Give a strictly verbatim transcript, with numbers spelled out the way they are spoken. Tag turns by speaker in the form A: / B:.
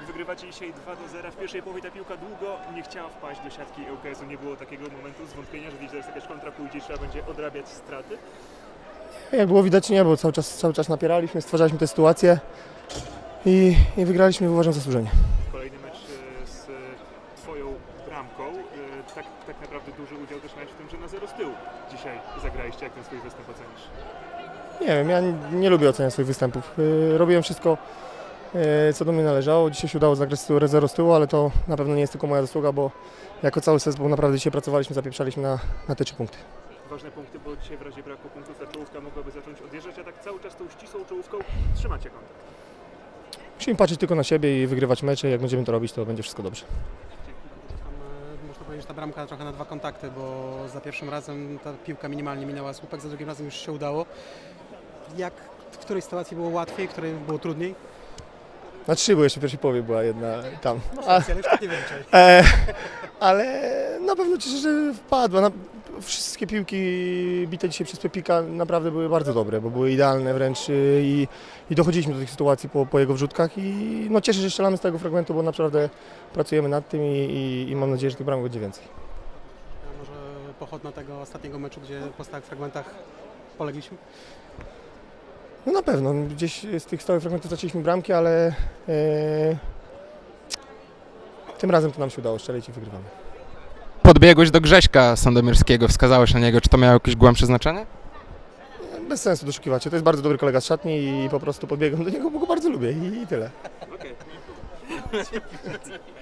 A: Wygrywacie dzisiaj dwa do zera. W pierwszej połowie ta piłka długo nie chciała wpaść do siatki ŁKS-u. Nie było takiego momentu zwątpienia, że widzisz, że jest jakaś kontra pójdzie i trzeba będzie odrabiać straty?
B: Jak było widać, nie, bo cały czas, cały czas napieraliśmy, stwarzaliśmy tę sytuację i, i wygraliśmy, uważam, zasłużenie.
A: Kolejny mecz e, z Twoją bramką. E, Tak, tak naprawdę duży udział też miałeś w tym, że na zero z tyłu dzisiaj zagraliście. Jak ten swój występ ocenisz?
B: Nie wiem, ja nie, nie lubię oceniać swoich występów. Yy, robiłem wszystko, yy, co do mnie należało. Dzisiaj się udało zagrać zero z tyłu, ale to na pewno nie jest tylko moja zasługa, bo jako cały zespół naprawdę dzisiaj pracowaliśmy, zapieprzaliśmy na, na te trzy punkty.
A: Ważne punkty, bo dzisiaj w razie braku punktów ta czołówka mogłaby zacząć odjeżdżać, a tak cały czas tą ścisłą czołówką trzymacie kontakt.
B: Musimy patrzeć tylko na siebie i wygrywać mecze. Jak będziemy to robić, to będzie wszystko dobrze.
C: Tam, e, można powiedzieć, że ta bramka trochę na dwa kontakty, bo za pierwszym razem ta piłka minimalnie minęła słupek, za drugim razem już się udało. Jak, w której sytuacji było łatwiej, w której było trudniej?
B: Na trzy, bo jeszcze w pierwszej połowie była jedna tam. A,
C: Ale już tak nie wiem, czy...
B: e, ale na pewno cieszę, że wpadła. Na, wszystkie piłki bite dzisiaj przez Pepika naprawdę były bardzo dobre, bo były idealne wręcz y, i, i dochodziliśmy do tych sytuacji po, po jego wrzutkach i no, cieszę się, że strzelamy z tego fragmentu, bo naprawdę pracujemy nad tym i, i, i mam nadzieję, że tych bramek będzie więcej.
C: A może pochodna tego ostatniego meczu, gdzie po stałych fragmentach polegliśmy?
B: No na pewno, gdzieś z tych stałych fragmentów zaczęliśmy bramki, ale e, tym razem to nam się udało strzelić i wygrywamy.
D: Podbiegłeś do Grześka Sandomierskiego, wskazałeś na niego. Czy to miało jakieś głębsze znaczenie?
B: Bez sensu doszukiwać się, to jest bardzo dobry kolega z szatni i po prostu podbiegłem do niego, bo go bardzo lubię i, i tyle.
A: Okej.